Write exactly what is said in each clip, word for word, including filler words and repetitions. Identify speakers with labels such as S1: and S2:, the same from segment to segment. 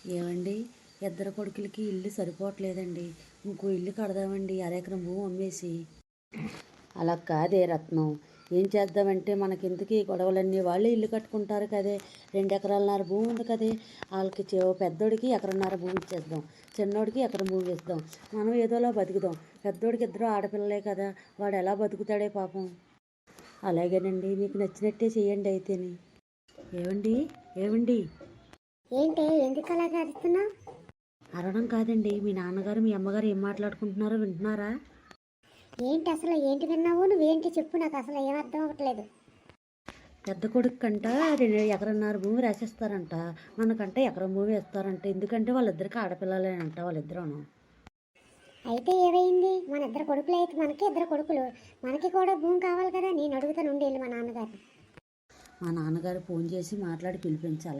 S1: ఏవండి, ఇద్దరు కొడుకులకి ఇల్లు సరిపోవట్లేదండి. ఇంకో ఇల్లు కడదామండి అరెకరం భూమి అమ్మేసి. అలా కాదే రత్నం, ఏం చేద్దామంటే మనకెందుకు ఈ గొడవలన్నీ? వాళ్ళే ఇల్లు కట్టుకుంటారు కదే. రెండు ఎకరాలన్నర భూమి ఉంది కదే. వాళ్ళకి పెద్దోడికి ఎకరన్నర భూమి ఇచ్చేద్దాం, చిన్నోడికి ఎకరం భూమి ఇస్తాం. మనం ఏదోలా బతుకుదాం. పెద్దోడికి ఇద్దరు ఆడపిల్లలే కదా, వాడు ఎలా బతుకుతాడే పాపం. అలాగేనండి, మీకు నచ్చినట్టే చేయండి అయితేని. ఏవండి ఏవండి
S2: ఏంటి ఎందుకు అలాగ అరుస్తున్నావు?
S1: అరవడం కాదండి, మీ నాన్నగారు మీ అమ్మగారు ఏం మాట్లాడుకుంటున్నారో వింటున్నారా?
S2: ఏంటి అసలు ఏంటి విన్నావు? నువ్వేంటి చెప్పు, నాకు అసలు ఏం అర్థం అవ్వట్లేదు.
S1: పెద్ద కొడుకు కంట రెండు ఎకరన్నర భూమి రాసేస్తారంట, మనకంటే ఎకరం భూమి ఇస్తారంట. ఎందుకంటే వాళ్ళిద్దరికి ఆడపిల్లలేనంట వాళ్ళిద్దరూను.
S2: అయితే ఏమైంది? మన ఇద్దరు కొడుకులు అయితే మనకి ఇద్దరు కొడుకులు, మనకి కూడా భూమి కావాలి కదా. నేను అడుగుతాను ఉండేళ్ళు మా నాన్నగారిని.
S1: మా నాన్నగారు ఫోన్ చేసి మాట్లాడి పిలిపించాలి.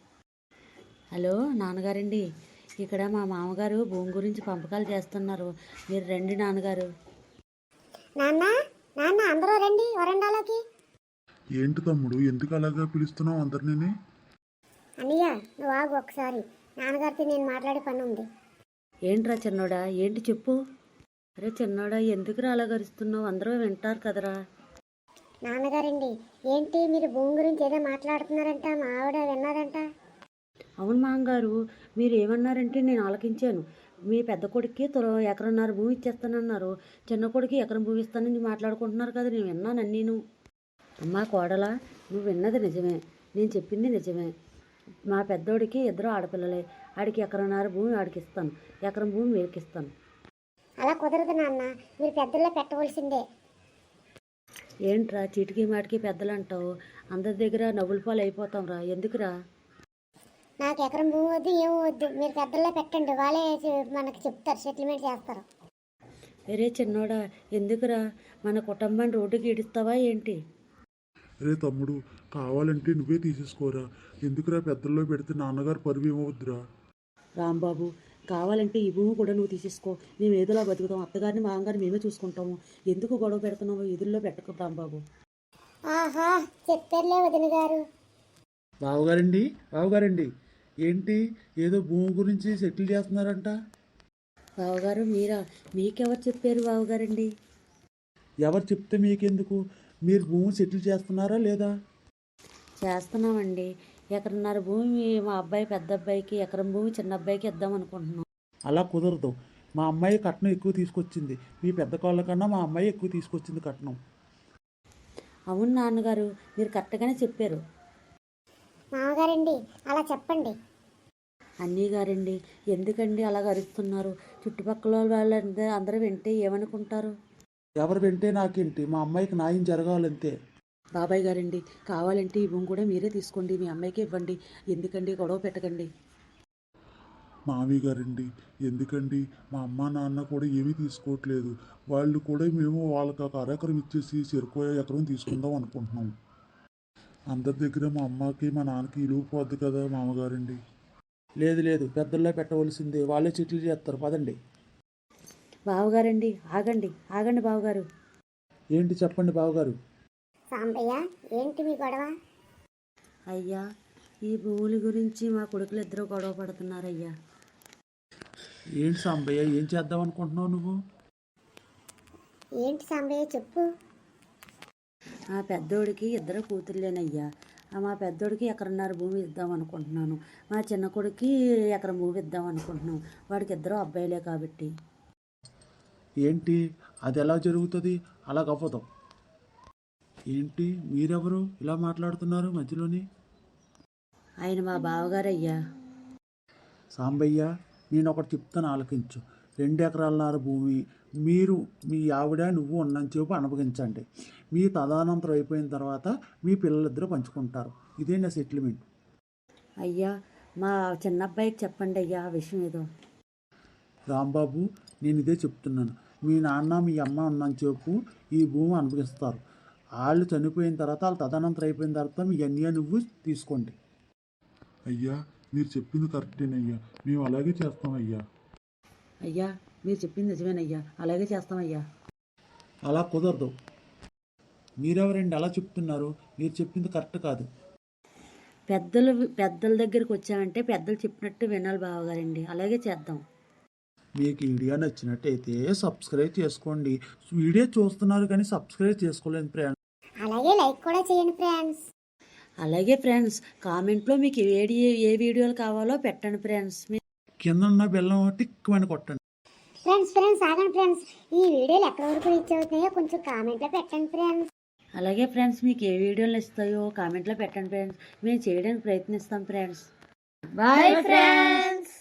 S1: హలో నాన్నగారండి, ఇక్కడ మా మామగారు భూమి గురించి పంపకాలు చేస్తున్నారు, మీరు రండి నాన్నగారు.
S2: నాన్న నాన్న అందరూ రండి వరండాలోకి.
S3: ఏంటి తమ్ముడు, ఎందుకు అలాగా పిలుస్తున్నావు అందరినీ?
S2: అన్నయ్య నువ్వు ఆగు ఒకసారి, నాన్నగారితో నేను మాట్లాడే పని ఉంది.
S1: ఏంట్రా చిన్నోడా, ఏంటి చెప్పు. అరే చిన్నోడా, ఎందుకురా అలా గరుస్తున్నావు? అందరూ వింటారు కదరా.
S2: నాన్నగారండి, ఏంటి మీరు భూమి గురించి ఏదో మాట్లాడుతున్నారంట, మా ఆవిడ విన్నదంట.
S1: అవును మామగారు, మీరు ఏమన్నారంటే నేను ఆలకించాను. మీ పెద్ద కొడుక్కి త్వర ఎకరన్నర భూమి ఇచ్చేస్తానన్నారు, చిన్న కొడుకు ఎకరం భూమి ఇస్తానని మాట్లాడుకుంటున్నారు కదా, నేను విన్నాను నేను. అమ్మా కోడలా, నువ్వు విన్నది నిజమే, నేను చెప్పింది నిజమే. మా పెద్దోడికి ఇద్దరు ఆడపిల్లలే, ఆడికి ఎకరన్నర భూమి ఆడికి ఇస్తాను, ఎకరం భూమి మీరికి ఇస్తాను.
S2: అలా కుదరదు నాన్న, మీరు పెద్దల్లో పెట్టవలసిందే.
S1: ఏంట్రా చీటికి మాటికి పెద్దలు అంటావు? అందరి దగ్గర నవ్వుల పాలు అయిపోతాం రా, ఎందుకురా?
S2: నాకు ఎకరం భూమి వద్దు, ఏమో వద్దు, మీరు పెద్దల్లో పెట్టండి, వాళ్ళే మనకి చెప్తారు, సెటిల్మెంట్ చేస్తారు.
S1: వేరే చిన్నోడా, ఎందుకురా మన కుటుంబాన్ని రోడ్డుకి ఈడుస్తావా ఏంటి?
S3: అరే తమ్ముడు, కావాలంటే నువ్వే తీసేసుకోరా, ఎందుకురా పెద్దల్లో పెడితే నాన్నగారు పరువు ఏమవుద్దురా.
S1: రాంబాబు, కావాలంటే ఈ భూమి కూడా నువ్వు తీసేసుకో, మేము ఏదోలా బతుకుతాం, అత్తగారిని మామగారిని మేమే చూసుకుంటాము. ఎందుకు గొడవ పెడుతున్నావు? ఎదురులో పెట్టకు రాంబాబు.
S2: ఆహా, చెప్పారులే వదిన గారు.
S4: బావగారండి బావగారండి ఏంటి ఏదో భూమి గురించి సెటిల్ చేస్తున్నారంట?
S1: బావగారు మీరా? మీకెవరు చెప్పారు బావగారండి?
S4: ఎవరు చెప్తే మీకెందుకు? మీరు భూమి సెటిల్ చేస్తున్నారా లేదా?
S1: చేస్తున్నామండి. ఎకరన్నర భూమి మా అబ్బాయి పెద్ద అబ్బాయికి, ఎకరం భూమి చిన్న అబ్బాయికి ఇద్దాం అనుకుంటున్నాం.
S4: అలా కుదరదు. మా అమ్మాయి కట్నం ఎక్కువ తీసుకొచ్చింది, మీ పెద్ద కోళ్ళ కన్నా మా అమ్మాయి ఎక్కువ తీసుకొచ్చింది కట్నం.
S1: అవును నాన్నగారు, మీరు కరెక్ట్గానే చెప్పారు.
S2: మామగారండి అలా చెప్పండి.
S1: అన్నీ గారండి, ఎందుకండి అలా అరుస్తున్నారు? చుట్టుపక్కల వాళ్ళందరూ అందరూ వింటే ఏమనుకుంటారు?
S4: ఎవరు వింటే నాకేంటి, మా అమ్మాయికి న్యాయం జరగాలంతే.
S1: బాబాయ్ గారండి, కావాలంటే ఈ భూమి కూడా మీరే తీసుకోండి, మీ అమ్మాయికి ఇవ్వండి, ఎందుకండి గొడవ పెట్టకండి.
S3: మావి గారండి, ఎందుకండి, మా అమ్మ నాన్న కూడా ఏమీ తీసుకోవట్లేదు, వాళ్ళు కూడా మేము వాళ్ళకి ఒక అరెకరం ఇచ్చేసి చెరుకు ఎకరం తీసుకుందాం అనుకుంటున్నాం. అందరి దగ్గర మా అమ్మకి మా నాన్నకి ఇలువ పోద్ది కదా మామగారండి.
S4: లేదు లేదు, పెద్దల్లో పెట్టవలసిందే, వాళ్ళే సెటిల్ చేస్తారు, పదండి.
S1: బావగారండి ఆగండి, ఆగండి బావగారు.
S4: ఏంటి చెప్పండి బావగారు.
S2: సాంబయ్య, ఏంటి మీ గొడవ?
S1: అయ్యా, ఈ భూముల గురించి మా కొడుకులు ఇద్దరు గొడవ పడుతున్నారయ్యా.
S4: ఏంటి సాంబయ్య, ఏం చేద్దాం అనుకుంటున్నావు నువ్వు?
S2: ఏంటి సాంబయ్య చెప్పు.
S1: మా పెద్దోడికి ఇద్దరు కూతుర్లేనయ్యా. మా పెద్దోడికి ఎకరన్నర భూమి ఇద్దాం అనుకుంటున్నాను, మా చిన్న కొడుకు ఎకరం భూమి ఇద్దాం అనుకుంటున్నాం. వాడికి ఇద్దరు అబ్బాయిలే కాబట్టి.
S4: ఏంటి అది ఎలా జరుగుతుంది? అలాగవ్వదు. ఏంటి మీరెవరు ఇలా మాట్లాడుతున్నారు మధ్యలోని?
S1: ఆయన మా బావగారయ్యా.
S4: సాంబయ్య, నేను ఒకటి చెప్తాను ఆలకించు. రెండు ఎకరాలన్నర భూమి మీరు మీ ఆవిడ నువ్వు ఉన్నంతసేపు అనుభవించండి, మీ తదానంతరం అయిపోయిన తర్వాత మీ పిల్లలిద్దరూ పంచుకుంటారు. ఇదే నా సెటిల్మెంట్.
S1: అయ్యా, మా చిన్న అబ్బాయికి చెప్పండి అయ్యా ఆ విషయం ఏదో.
S4: రాంబాబు, నేను ఇదే చెప్తున్నాను. మీ నాన్న మీ అమ్మ ఉన్నంతసేపు ఈ భూమి అనుభవిస్తారు, వాళ్ళు చనిపోయిన తర్వాత వాళ్ళు తదనంతరం అయిపోయిన తర్వాత మీ అన్నయ్య నువ్వు తీసుకోండి.
S3: అయ్యా, మీరు చెప్పింది కరెక్టేనయ్యా, మేము అలాగే చేస్తామయ్యా.
S1: అయ్యా, మీరు చెప్పింది నిజమేనయ్యా, అలాగే చేస్తామయ్యా.
S4: అలా కుదరదు. మీరెవరండి అలా చెప్తున్నారు? మీరు చెప్పింది కరెక్ట్ కాదు.
S1: పెద్దలు పెద్దల దగ్గరికి వచ్చామంటే పెద్దలు చెప్పినట్టు వినాలి బావగారండి. అలాగే చేద్దాం.
S4: మీకు ఈ వీడియో నచ్చినట్టయితే సబ్స్క్రైబ్ చేసుకోండి. వీడియో చూస్తున్నారు కానీ సబ్స్క్రైబ్ చేసుకోలేదు ఫ్రెండ్స్.
S2: అలాగే లైక్ కూడా చేయండి ఫ్రెండ్స్.
S1: అలాగే ఫ్రెండ్స్, కామెంట్లో మీకు ఏ ఏ వీడియోలు కావాలో పెట్టండి ఫ్రెండ్స్.
S4: కింద ఉన్న బెల్లం టిక్కుమని కొట్టండి.
S2: ఫ్రెండ్స్ ఫ్రెండ్స్ ఆగండి ఫ్రెండ్స్, ఈ వీడియోలు ఎక్కడ వరకు రీచ్ అవుతున్నాయో కొంచెం కామెంట్లో పెట్టండి ఫ్రెండ్స్.
S1: అలాగే ఫ్రెండ్స్, మీకు ఏ వీడియోలు ఇస్తాయో కామెంట్లో పెట్టండి ఫ్రెండ్స్. మేము చేయడానికి ప్రయత్నిస్తాం ఫ్రెండ్స్. Bye friends.